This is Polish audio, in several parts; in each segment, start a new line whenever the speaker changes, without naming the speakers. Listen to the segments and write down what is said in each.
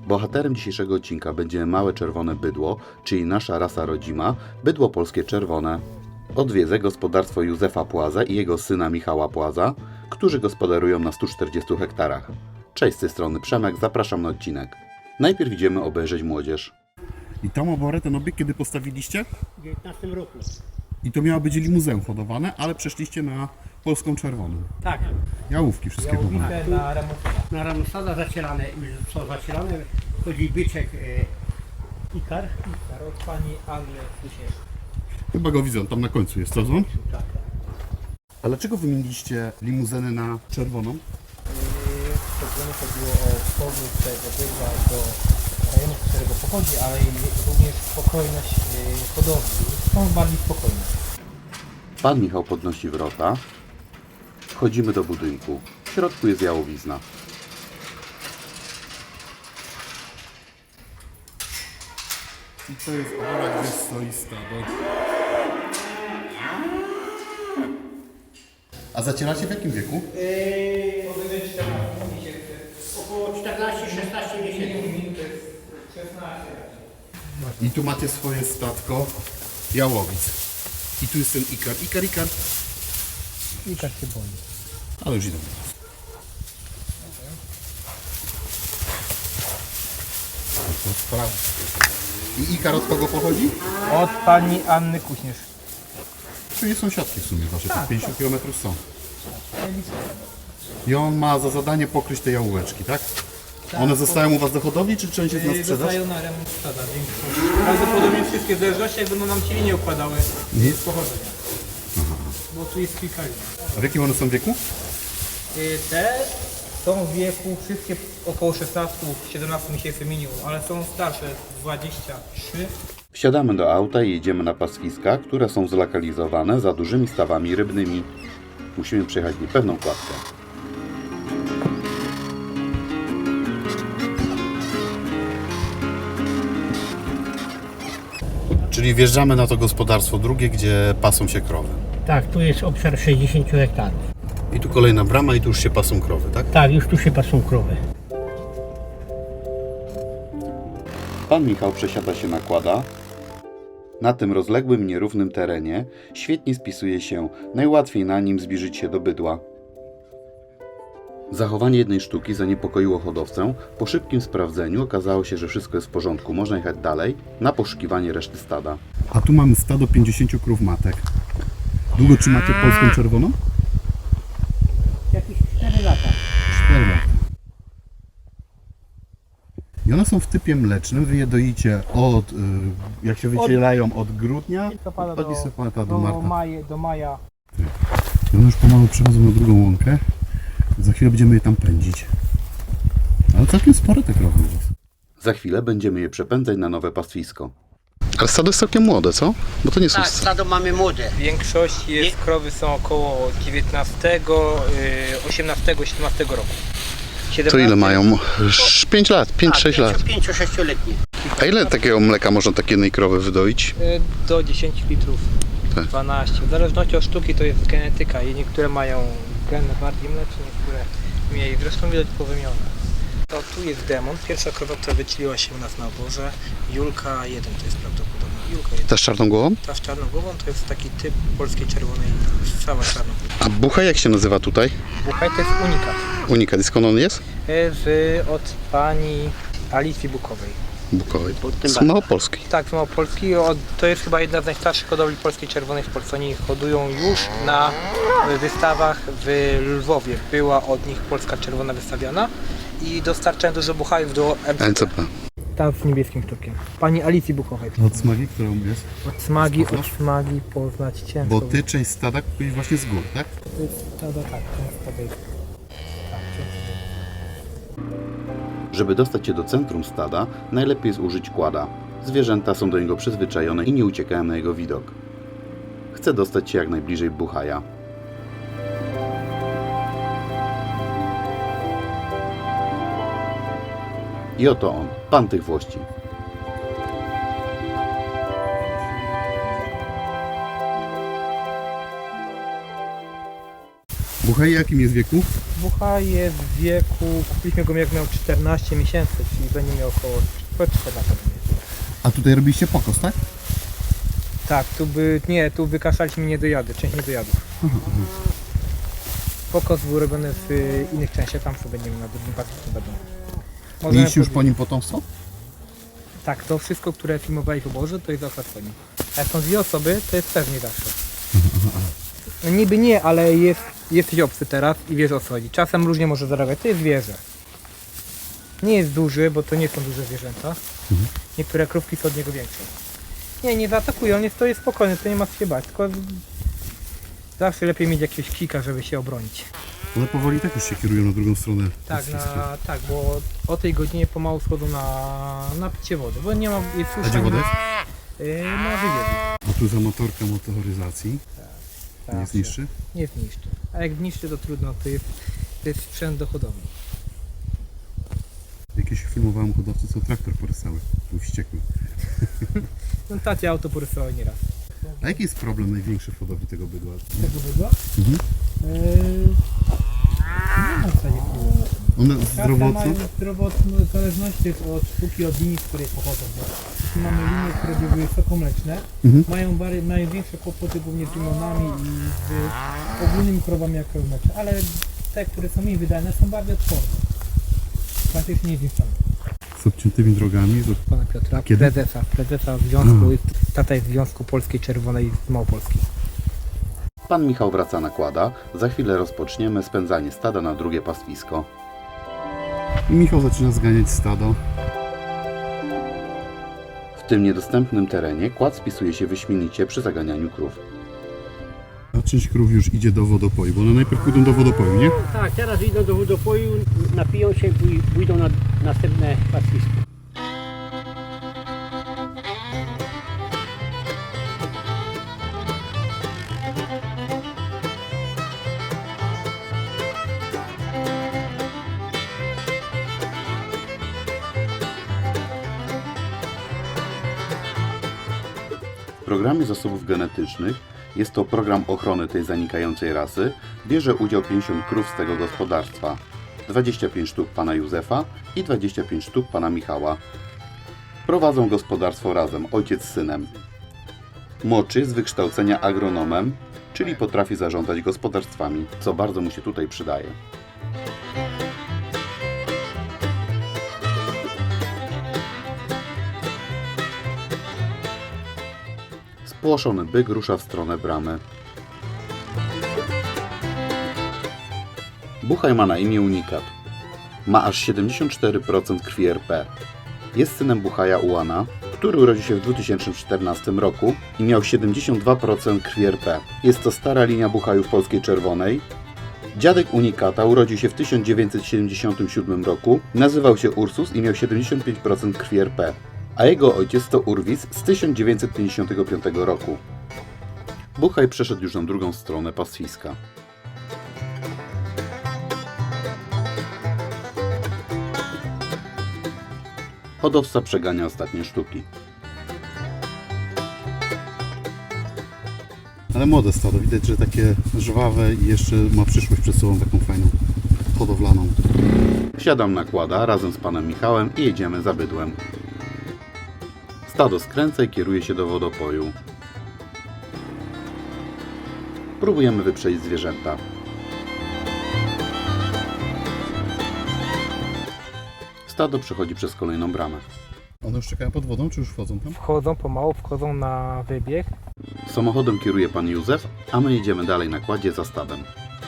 Bohaterem dzisiejszego odcinka będzie małe czerwone bydło, czyli nasza rasa rodzima, bydło polskie czerwone. Odwiedzę gospodarstwo Józefa Płaza i jego syna Michała Płaza, którzy gospodarują na 140 hektarach. Cześć, z tej strony Przemek, zapraszam na odcinek. Najpierw idziemy obejrzeć młodzież.
I tą oborę, ten obiekt kiedy postawiliście?
W 19 roku.
I to miało być limuzeum hodowane, ale przeszliście na polską czerwoną.
Tak.
Jałówki wszystkie kupione.
Na Ramsada zacierane, już są zacierane. Chodzi byczek Ikar.
Od pani Anny Kusiek.
Chyba go widzę, tam na końcu jest, co?
Tak, tak.
A dlaczego wymieniliście limuzynę na czerwoną?
Szczególnie chodziło o powrót tego bydła do rejonu, z którego pochodzi, ale i również spokojność hodowli. Są bardziej spokojne.
Pan Michał podnosi wrota. Wchodzimy do budynku. W środku jest jałowizna.
I to jest obora, gdzie stoi stado. A zacieracie w jakim wieku?
Około 14-16 miesięcy.
I tu macie swoje statko jałowic. I tu jest ten Ikar. Ikar.
Ikar się boi.
Ale już idę. To sprawa. I Ikar od kogo pochodzi?
Od pani Anny Kuśnierz.
Czyli sąsiadki w sumie wasze, tak 50 km są. I on ma za zadanie pokryć te jałóweczki, tak? One zostają u was do hodowli, czy część jest na sprzedaż?
Zostają na remont stada. Prawdopodobnie wszystkie w zależności jak będą nam cieli nie układały z pochodzenia. Bo tu jest kilka linii.
A w jakim one są wieku?
Te są w wieku wszystkie około 16-17 miesięcy minimum, ale są starsze 23.
Wsiadamy do auta i jedziemy na pastwiska, które są zlokalizowane za dużymi stawami rybnymi. Musimy przejechać niepewną kładkę.
Czyli wjeżdżamy na to gospodarstwo drugie, gdzie pasą się krowy.
Tak, tu jest obszar 60 hektarów.
I tu kolejna brama i tu już się pasą krowy, tak?
Tak, już tu się pasą krowy.
Pan Michał przesiada się na kłada. Na tym rozległym, nierównym terenie świetnie spisuje się, najłatwiej na nim zbliżyć się do bydła. Zachowanie jednej sztuki zaniepokoiło hodowcę. Po szybkim sprawdzeniu okazało się, że wszystko jest w porządku. Można jechać dalej na poszukiwanie reszty stada.
A tu mamy stado 50 krów matek. Długo trzymacie polską czerwoną?
Jakieś 4 lata.
4 lata. I one są w typie mlecznym. Wy je doicie od, jak się wycielają, od grudnia od listopada do marta.
Do maja.
I one już pomału przechodzą na drugą łąkę. Za chwilę będziemy je tam pędzić. Ale całkiem spore te krowy u was.
Za chwilę będziemy je przepędzać na nowe pastwisko. Ale stado jest całkiem młode, co? Bo to nie są...
Tak, stado mamy młode.
Większość jest, krowy są około 19, 18, 17 roku.
To
17,
ile mają? 5 lat, 5-6 lat.
5-6-letnie.
A ile takiego mleka można takiej jednej krowy wydoić?
Do 10 litrów,
Tak.
12. W zależności od sztuki to jest genetyka i niektóre mają geny bardziej mleczne, niektóre mniej. Zresztą widać powymione. To tu jest demon. Pierwsza krowa, która wycieliła się u nas na oborze. Julka 1 to jest prawdopodobnie. Julka 1.
Ta z czarną głową?
Ta z czarną głową to jest taki typ polskiej czerwonej, cała czarna.
A bucha jak się nazywa tutaj?
Buchaj to jest unikat.
Unikat. I skąd on jest?
Od pani Alicji Bukowej.
Bukowej.
tym
Z Małopolski.
Tak, z Małopolski. To jest chyba jedna z najstarszych hodowli polskiej czerwonej w Polsce. Oni hodują już na wystawach w Lwowie. Była od nich polska czerwona wystawiana i dostarczają dużo buchajów do MCP.
NCP.
Tam z niebieskim sztukiem. Pani Alicji Bukowej.
Od smagi, którą jest?
Od smagi poznać ciężko.
Bo ty część stada kupiłeś właśnie z gór, tak?
To jest stada, tak, to jest stada. Tak,
Żeby dostać się do centrum stada, najlepiej jest użyć kłada. Zwierzęta są do niego przyzwyczajone i nie uciekają na jego widok. Chcę dostać się jak najbliżej buchaja. I oto on, pan tych włości.
Buchaj jakim jest wieku?
Bucha jest w wieku, kupiliśmy go jak miał 14 miesięcy, czyli będzie miał około 14 miesięcy.
A tutaj robiliście pokos, tak?
Tak, tu wykaszaliśmy niedojady, część niedojadów. Pokos był robiony w innych częściach, tam co będziemy na drugim patrzu będą.
Mieliście już po nim potomstwo?
Tak, to wszystko, które filmowali w oborze, to jest akurat po nim. A jak są dwie osoby, to jest pewnie zawsze. No niby nie, ale jesteś obcy teraz i wiesz o co chodzi. Czasem różnie może zarabiać, to jest zwierzę. Nie jest duży, bo to nie są duże zwierzęta. Niektóre krówki są od niego większe. Nie zaatakuje, on jest spokojny, to nie ma co się bać, tylko zawsze lepiej mieć jakiegoś kika, żeby się obronić.
Ale powoli tak już się kierują na drugą stronę.
Tak, tak, bo o tej godzinie pomału schodzą na picie wody, bo nie ma jest
A gdzie woda jest?
Na wybiegu.
A tu za motorka motoryzacji. Nie zniszczy?
Nie zniszczy. A jak zniszczy, to trudno, to jest sprzęt dochodowy.
Jakieś filmowałem hodowcy, co traktor porysały. Był wściekły.
No tacie auto porysowały nieraz.
A jaki jest problem największy w hodowli tego bydła?
Tego bydła?
Mhm.
Nie ma w zasadzie problemu.
One
Każda
zdrowotno?
mają zdrowotno, w zależności od sztuki, od linii, z której pochodzą. Bo jeśli mamy linie, które były wysokomleczne, mają większe kłopoty głównie z limonami i z ogólnymi krowami jak krowy mleczne, ale te, które są mniej wydajne, są bardziej odporne. Praktycznie nie zniszczone.
Z obciętymi drogami?
Pana Piotra,
Kiedy?
prezesa związku, tata jest w Związku Polskiej Czerwonej z Małopolski.
Pan Michał wraca na kłada. Za chwilę rozpoczniemy spędzanie stada na drugie pastwisko.
I Michał zaczyna zganiać stado.
W tym niedostępnym terenie kład spisuje się wyśmienicie przy zaganianiu krów.
A część krów już idzie do wodopoju, bo one najpierw pójdą do wodopoju, nie?
Tak, teraz idą do wodopoju, napiją się i pójdą na następne pastwisko.
W programie zasobów genetycznych, jest to program ochrony tej zanikającej rasy, bierze udział 50 krów z tego gospodarstwa. 25 sztuk pana Józefa i 25 sztuk pana Michała. Prowadzą gospodarstwo razem, ojciec z synem. Młodszy z wykształcenia agronomem, czyli potrafi zarządzać gospodarstwami, co bardzo mu się tutaj przydaje. Spłoszony byk rusza w stronę bramy. Buchaj ma na imię Unikat. Ma aż 74% krwi RP. Jest synem Buchaja Ułana, który urodził się w 2014 roku i miał 72% krwi RP. Jest to stara linia Buchajów Polskiej Czerwonej. Dziadek Unikata urodził się w 1977 roku, nazywał się Ursus i miał 75% krwi RP, a jego ojciec to Urwis z 1955 roku. Buchaj przeszedł już na drugą stronę pastwiska. Hodowca przegania ostatnie sztuki.
Ale młode stado, widać, że takie żwawe i jeszcze ma przyszłość przed sobą taką fajną, hodowlaną.
Wsiadam na kłada razem z panem Michałem i jedziemy za bydłem. Stado skręca i kieruje się do wodopoju. Próbujemy wyprzedzić zwierzęta. Stado przechodzi przez kolejną bramę.
One już czekają pod wodą, czy już wchodzą tam?
Wchodzą pomału, wchodzą na wybieg.
Samochodem kieruje pan Józef, a my jedziemy dalej na kładzie za stadem.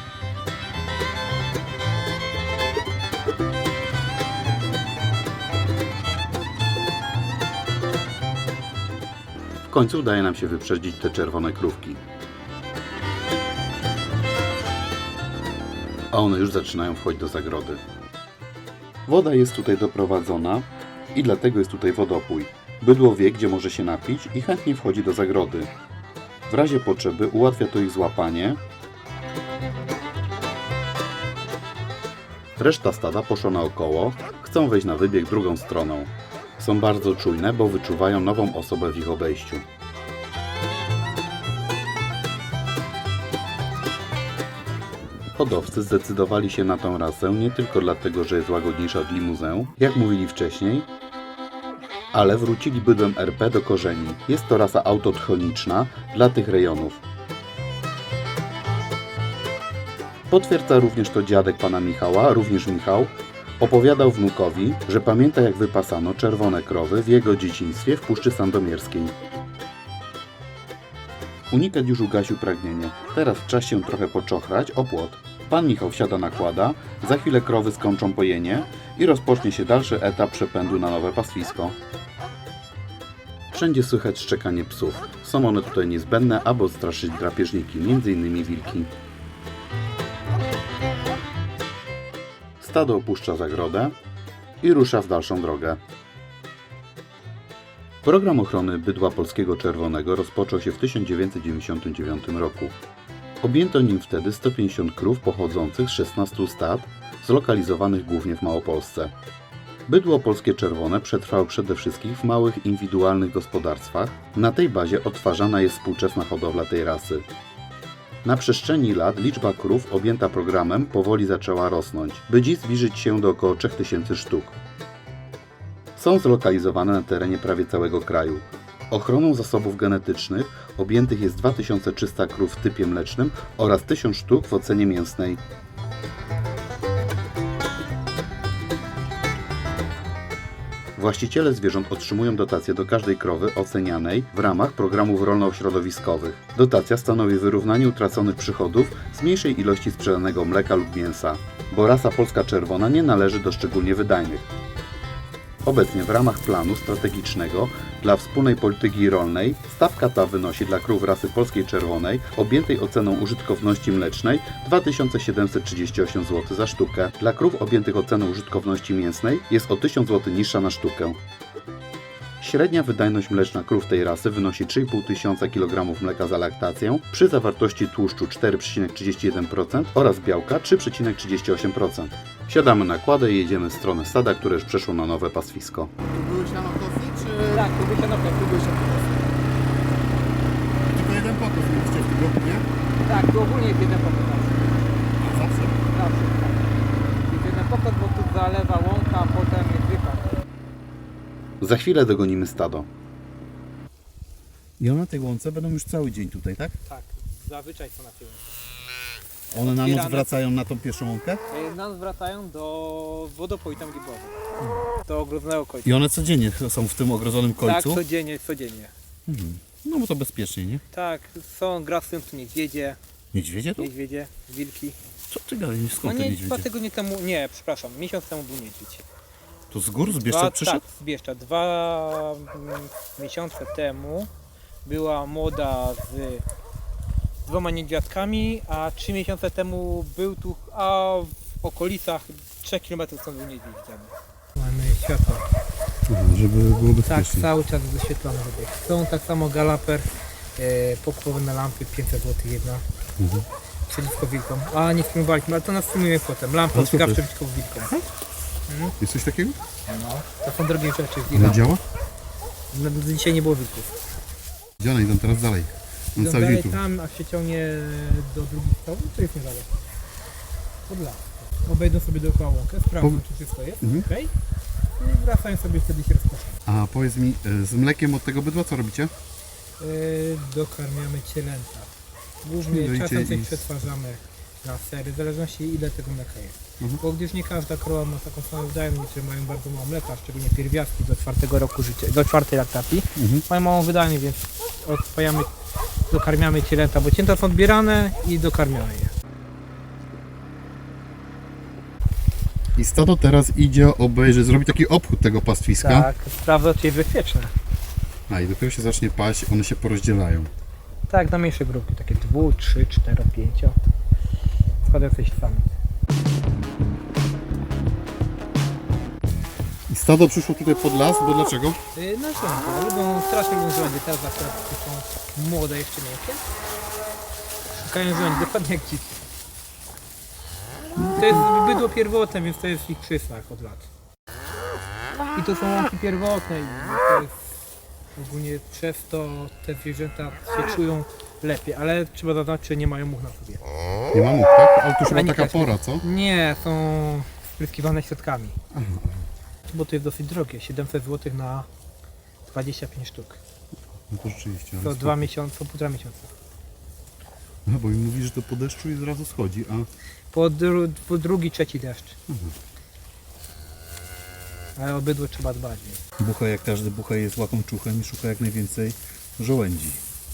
W końcu udaje nam się wyprzedzić te czerwone krówki. A one już zaczynają wchodzić do zagrody. Woda jest tutaj doprowadzona i dlatego jest tutaj wodopój. Bydło wie, gdzie może się napić i chętnie wchodzi do zagrody. W razie potrzeby ułatwia to ich złapanie. Reszta stada poszła naokoło, chcą wejść na wybieg drugą stroną. Są bardzo czujne, bo wyczuwają nową osobę w ich obejściu. Hodowcy zdecydowali się na tą rasę nie tylko dlatego, że jest łagodniejsza od limuzę, jak mówili wcześniej, ale wrócili bydłem RP do korzeni. Jest to rasa autotchoniczna dla tych rejonów. Potwierdza również to dziadek pana Michała, również Michał, opowiadał wnukowi, że pamięta jak wypasano czerwone krowy w jego dzieciństwie w Puszczy Sandomierskiej. Unikat już ugasił pragnienie. Teraz czas się trochę poczochrać o płot. Pan Michał wsiada na kłada, za chwilę krowy skończą pojenie i rozpocznie się dalszy etap przepędu na nowe pastwisko. Wszędzie słychać szczekanie psów. Są one tutaj niezbędne, aby odstraszyć drapieżniki, m.in. wilki. Stado opuszcza zagrodę i rusza w dalszą drogę. Program ochrony bydła polskiego czerwonego rozpoczął się w 1999 roku. Objęto nim wtedy 150 krów pochodzących z 16 stad, zlokalizowanych głównie w Małopolsce. Bydło polskie czerwone przetrwało przede wszystkim w małych, indywidualnych gospodarstwach. Na tej bazie odtwarzana jest współczesna hodowla tej rasy. Na przestrzeni lat liczba krów objęta programem powoli zaczęła rosnąć, by dziś zbliżyć się do około 3000 sztuk. Są zlokalizowane na terenie prawie całego kraju. Ochroną zasobów genetycznych objętych jest 2300 krów w typie mlecznym oraz 1000 sztuk w ocenie mięsnej. Właściciele zwierząt otrzymują dotację do każdej krowy ocenianej w ramach programów rolno-środowiskowych. Dotacja stanowi wyrównanie utraconych przychodów z mniejszej ilości sprzedanego mleka lub mięsa, bo rasa polska czerwona nie należy do szczególnie wydajnych. Obecnie w ramach planu strategicznego dla wspólnej polityki rolnej stawka ta wynosi dla krów rasy polskiej czerwonej objętej oceną użytkowności mlecznej 2738 zł za sztukę. Dla krów objętych oceną użytkowności mięsnej jest o 1000 zł niższa na sztukę. Średnia wydajność mleczna krów tej rasy wynosi 3500 kg mleka za laktację przy zawartości tłuszczu 4,31% oraz białka 3,38%. Siadamy na kładę i jedziemy w stronę stada, które już przeszło na nowe pastwisko.
Tu były sianokosy, czy
Tak, tu byś tu byś
tylko jeden pokos mieliście w tym roku, nie?
Tak, tu ogólnie jest jeden pokój.
A zawsze?
Zawsze, tak. Jest jeden pokój, bo tu zalewa łąka, a potem jest wypad.
Za chwilę dogonimy stado.
I one na tej łące będą już cały dzień tutaj, tak?
Tak, zazwyczaj są na tył.
One na noc
Otwierane.
wracają na tą pierwszą łąkę?
Nas wracają do wodopoju tam gdzie było. Do ogrodzonego końca.
I one codziennie są w tym ogrodzonym
Tak,
końcu?
codziennie.
No bo to bezpiecznie, nie?
Tak, grasują tu niedźwiedzie,
Niedźwiedzie tu?
wilki.
Co ty gadasz?
No
Skąd te
nie,
niedźwiedzie?
2 tygodnie temu, nie, przepraszam, miesiąc temu był niedźwiedź.
To z gór z Bieszczad przyszedł?
Tak, z Bieszczad. 2 miesiące temu była młoda z 2 niedźwiadkami, a 3 miesiące temu był tu, a w okolicach 3 km stąd był niedźwiedź widziany. Mamy światło.
Żeby było
Tak, cały czas wyświetlone. Są tak samo galaper, pokłowane lampy, 500 zł jedna. Przeciwko wilkom. A nie filmowaliśmy, ale to nas filmujemy potem. Lampa ostrzegawcza przeciwko wilkom.
Jest coś takiego?
No, to są drogie rzeczy.
Ona działa?
No, dzisiaj nie było wilków.
Gdzie one idą teraz dalej? On
Idą
cały dzień
dalej
tu.
tam, a się ciągnie do drugich stołów, to jest niedaleko. Pod las. Obejdą sobie dookoła łąkę, sprawdzą czy wszystko jest, okej. I wracają sobie, wtedy się rozpoczną.
A powiedz mi, z mlekiem od tego bydła co robicie?
Dokarmiamy cielęta. Głównie
Czyli
czasem
dojcie
coś
i-
przetwarzamy na sery, w zależności ile tego mleka jest. Bo gdyż nie każda krowa ma taką samą wydajność, niektóre mają bardzo mało mleka, szczególnie pierwiastki do 4 roku życia, do 4 laktacji, mają małą wydajność, więc odpajamy, dokarmiamy cielęta, bo cięta są odbierane i dokarmiamy je.
I stado teraz idzie obejrzeć, zrobi taki obchód tego pastwiska.
Tak, sprawdza czy jest bezpieczne.
A i dopiero się zacznie paść, one się porozdzielają.
Tak, na mniejsze grupy, takie 2, 3, 4, 5. Składają coś sami.
I stado przyszło tutaj pod las, bo dlaczego?
No żołnierze, lubią, strasznie lubią żołnierze, teraz akurat są młode jeszcze miękkie. Szukają żołnierze, dokładnie jak dzieci. To jest bydło pierwotne, więc to jest w ich krzysach od lat. I to są łąki pierwotne i to jest ogólnie przez to te zwierzęta się czują lepiej, ale trzeba dodać, że nie mają much na sobie.
Nie ma mógł, tak? Ale to już chyba
Ani
taka
też nie.
pora, co?
Nie, są spryskiwane środkami. Bo to jest dosyć drogie, 700 zł na 25 sztuk.
No to rzeczywiście. ale
To
spoko.
2 miesiące, 1,5 miesiąca.
No, bo mi mówi, że to po deszczu i zrazu schodzi, a
Po drugi, trzeci deszcz. Ale o bydło trzeba dbać.
bucha, jak każdy bucha, jest łakomczuchem i szuka jak najwięcej żołędzi.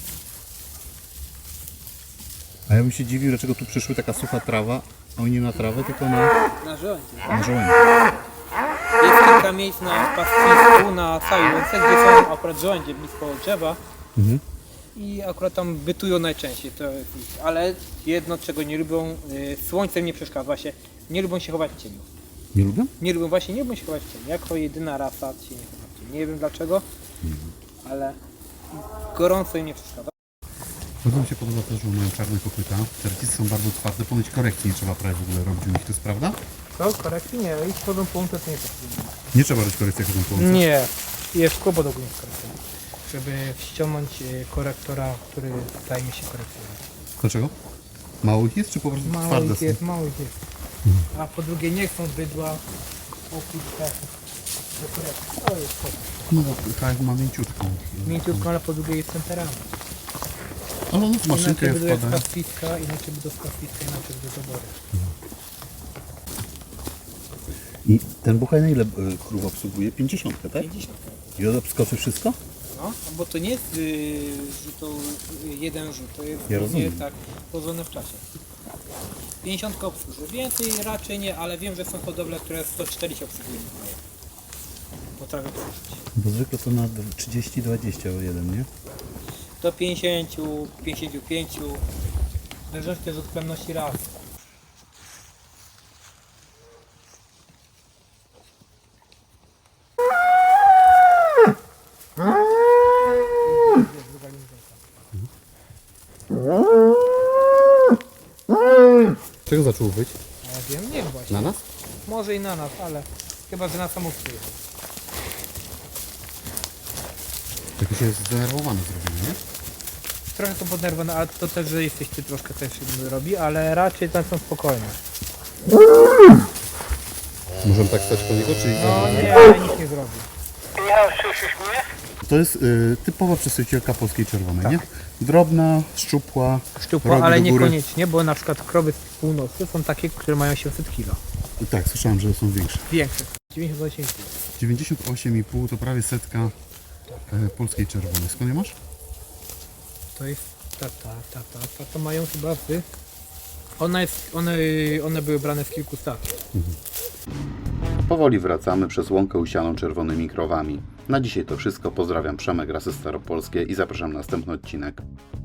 A ja bym się dziwił, dlaczego tu przyszły taka sucha trawa, a oni nie na trawę, tylko
Na żołędzie.
na żołędzie.
Jest kilka miejsc na pastwisku, na całej łące, gdzie są akurat żołędzie blisko drzewa. I akurat tam bytują najczęściej. To jest ich. Ale jedno, czego nie lubią, słońcem nie przeszkadza się. Nie lubią się chować w cieniu.
Nie lubię?
Nie lubią się chować w cieniu. Jako jedyna rasa się nie chowa w cieniu. Nie wiem dlaczego, ale gorąco im nie przeszkadza.
Bardzo mi się podoba to, że mają czarne kopyta. Te recisy są bardzo twarde, ponoć korekcji nie trzeba prawie w ogóle robić u nich, to jest prawda?
Co? Korekcji? Nie, ich chodzą po łące to nie potrzebuje.
Nie trzeba robić korekcji, jak chodzą po łące.
Nie, jest kłopot ogólnie z korekcją. Żeby ściągnąć korektora, który zajmie się korekcją.
Dlaczego? Mało ich jest, czy po prostu twarde są?
Mało ich jest. A po drugie nie chcą bydła okuć tak. To jest
No bo KF ma mięciutką.
mięciutko, ale po drugie jest temperament.
Ale on w maszynkę
Inaczej bydło
wpada.
jest pastwiska, inaczej bydło z pastwiska, inaczej bydło dobory.
I ten buchaj na ile krów obsługuje? 50, tak?
50.
I odskoczy wszystko?
No, bo to nie jest jeden rzut, to jest
Ja rozumiem.
tak położone w czasie. 50 obsłuży, więcej raczej nie, ale wiem, że są hodowle, które 140 obsługują. Potrafię poruszyć.
Bo zwykle to na 30-20 o jeden, nie?
Do 50, 55, w zależności też od plemności ras.
Czego zaczął być?
Ja wiem, nie właśnie.
Na nas?
Może i na nas, ale chyba, że na samobójstwie.
Tak się jest zdenerwowany zrobił, nie?
Trochę są podnerwowane, ale to też, że jesteś ty troszkę też robi, ale raczej tam są spokojne.
Możemy tak stać po niego, czy...
No nie, ale nic nie zrobi.
To jest typowa przedstawicielka polskiej czerwonej, nie? Drobna, szczupła,
Szczupła,
rogi
ale
do góry.
niekoniecznie, bo na przykład krowy z północy są takie, które mają 700 kg.
Tak, słyszałem, że są większe.
Większe. 98 kg.
98,5 to prawie setka polskiej czerwonej. Skąd je masz?
To jest ta to mają chyba one były brane z kilku stad.
Powoli wracamy przez łąkę usianą czerwonymi krowami. Na dzisiaj to wszystko. Pozdrawiam, Przemek, Rasy Staropolskie i zapraszam na następny odcinek.